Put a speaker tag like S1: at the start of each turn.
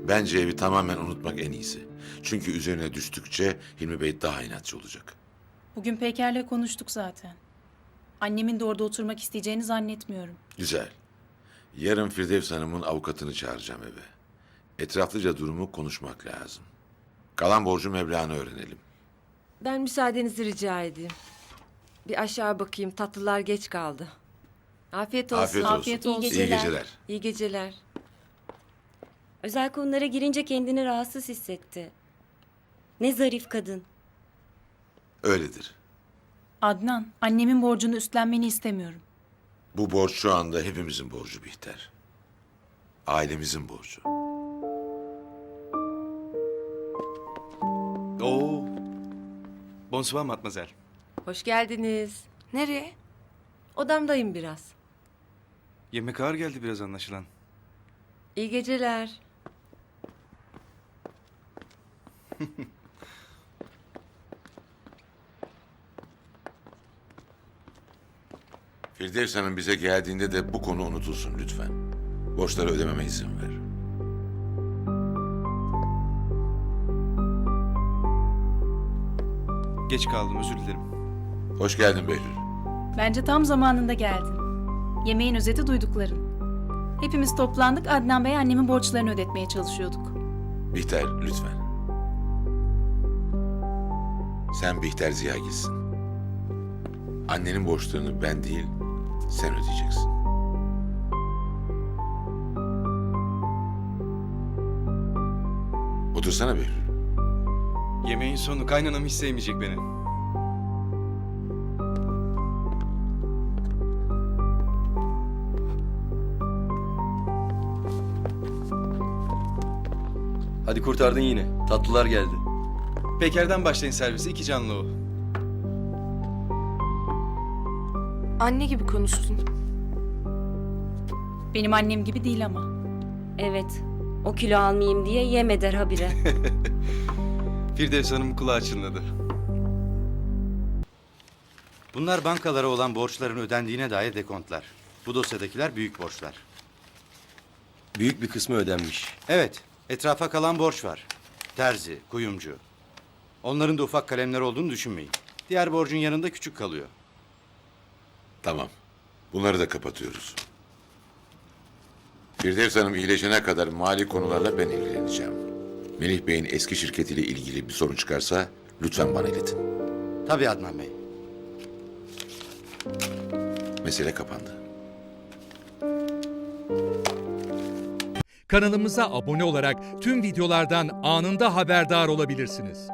S1: Bence evi tamamen unutmak en iyisi. Çünkü üzerine düştükçe Hilmi Bey daha inatçı olacak.
S2: Bugün Peyker'le konuştuk zaten. Annemin de orada oturmak isteyeceğini zannetmiyorum.
S1: Güzel. Yarın Firdevs Hanım'ın avukatını çağıracağım eve. Etraflıca durumu konuşmak lazım. Kalan borcu meblağını öğrenelim.
S3: Ben müsaadenizi rica edeyim. Bir aşağı bakayım, tatlılar geç kaldı. Afiyet olsun.
S1: Afiyet olsun.
S2: Afiyet olsun.
S1: İyi geceler.
S3: İyi geceler.
S4: Özel konulara girince kendini rahatsız hissetti. Ne zarif kadın.
S1: Öyledir.
S2: Adnan, annemin borcunu üstlenmeni istemiyorum.
S1: Bu borç şu anda hepimizin borcu Bihter. Ailemizin borcu.
S5: Oo. Bonsoir mademoiselle.
S3: Hoş geldiniz.
S6: Nereye?
S3: Odamdayım biraz.
S5: Yemek ağır geldi biraz anlaşılan.
S3: İyi geceler.
S1: Firdevs Hanım bize geldiğinde de bu konu unutulsun lütfen. Borçları ödememe izin ver.
S5: Geç kaldım, özür dilerim.
S1: Hoş geldin Behlül.
S2: Bence tam zamanında geldin. Yemeğin özeti duydukların. Hepimiz toplandık, Adnan Bey annemin borçlarını ödetmeye çalışıyorduk.
S1: Bihter lütfen. Sen Bihter Ziyagil'sin. Annenin borçlarını ben değil, sen ödeyeceksin. Otursana Behlül.
S5: Yemeğin sonu kaynanam hiç sevmeyecek beni.
S7: Hadi kurtardın yine. Tatlılar geldi.
S5: Peker'den başlayın servisi, 2 canlı o.
S6: Anne gibi konuştun.
S2: Benim annem gibi değil ama.
S4: Evet, o kilo almayayım diye yem eder habire.
S5: Firdevs Hanım kulağı çınladı.
S8: Bunlar bankalara olan borçların ödendiğine dair dekontlar. Bu dosyadakiler büyük borçlar.
S7: Büyük bir kısmı ödenmiş.
S8: Evet, etrafa kalan borç var. Terzi, kuyumcu. Onların da ufak kalemler olduğunu düşünmeyin. Diğer borcun yanında küçük kalıyor.
S1: Tamam. Bunları da kapatıyoruz. Firdevs Hanım iyileşene kadar mali konularla ben ilgileneceğim. Melih Bey'in eski şirketiyle ilgili bir sorun çıkarsa lütfen bana iletin.
S8: Tabii Adnan Bey.
S1: Mesele kapandı.
S9: Kanalımıza abone olarak tüm videolardan anında haberdar olabilirsiniz.